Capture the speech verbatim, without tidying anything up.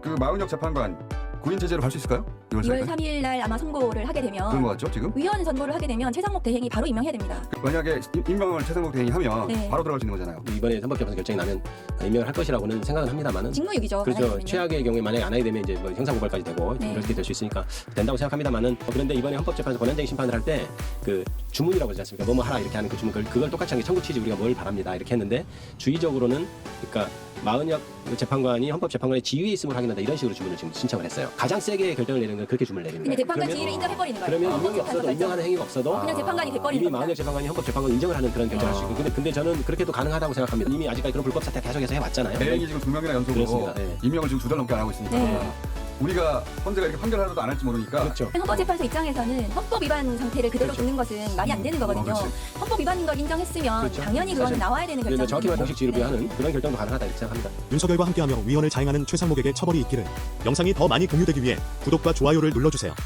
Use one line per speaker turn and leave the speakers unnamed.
그 마은혁 재판관 구인 체제로 갈 수 있을까요?
이월 삼일 날 아마 선고를 하게 되면
그런 것 같죠 지금?
위원 선고를 하게 되면 최상목 대행이 바로 임명해야 됩니다.
그 만약에 임- 임명을 최상목 대행이 하면
네.
바로 들어갈 수 있는 거잖아요.
이번에 헌법재판소 결정이 나면 임명을 할 것이라고는 생각은 합니다만은
직무유기죠. 안 하게
그렇죠.
되면요.
최악의 경우에 만약에 안 하게 되면 이제 뭐 형사고발까지 되고
네.
이렇게 될 수 있으니까 된다고 생각합니다만은 어, 그런데 이번에 헌법재판소 권한쟁의 심판을 할 때 그 주문이라고 하지 않습니까? 뭐뭐 하라 이렇게 하는 그 주문 그걸, 그걸 똑같이 한 게 청구 취지 우리가 뭘 바랍니다 이렇게 했는데 주의적으로는 그러니까 마은혁 재판관이 헌법재판관의 지위에 있음을 확인한다 이런 식으로 주문을 지금 신청을 했어요. 가장 세게 결정을 내리는 건 그렇게 주문을 내립니다.
그냥 재판관
그러면-
지위를 인정해버리는 거예요.
그러면 임명이
헌법재판소
없어도
결정.
임명하는 행위가 없어도
그냥 재판관이 돼버리는
이미
겁니다.
마은혁 재판관이 헌법재판관 인정을 하는 그런 결정을 할 수 있고 근데, 근데 저는 그렇게도 가능하다고 생각합니다. 이미 아직까지 그런 불법 사태 계속해서 해왔잖아요.
대행이 지금 두 명이나 연속으로
그렇습니다. 네.
임명을 지금 두 달 넘게 안 하고 있으니까
네.
우리가 헌재가 이렇게 판결하려도 안 할지 모르니까
그렇죠.
헌법재판소 입장에서는 헌법 위반 상태를 그대로
그렇죠.
두는 것은 말이 안 되는 거거든요.
어, 그렇지.
헌법 위반인 걸 인정했으면
그렇죠.
당연히 그건
사실
나와야 되는
그래서 정확히 말해
결정이거든요.
공식 지위를 부여하는 그런 결정도 가능하다 이렇게 생각합니다.
윤석열과 함께하며 위헌을 자행하는 최상목에게 처벌이 있기를. 영상이 더 많이 공유되기 위해 구독과 좋아요를 눌러주세요.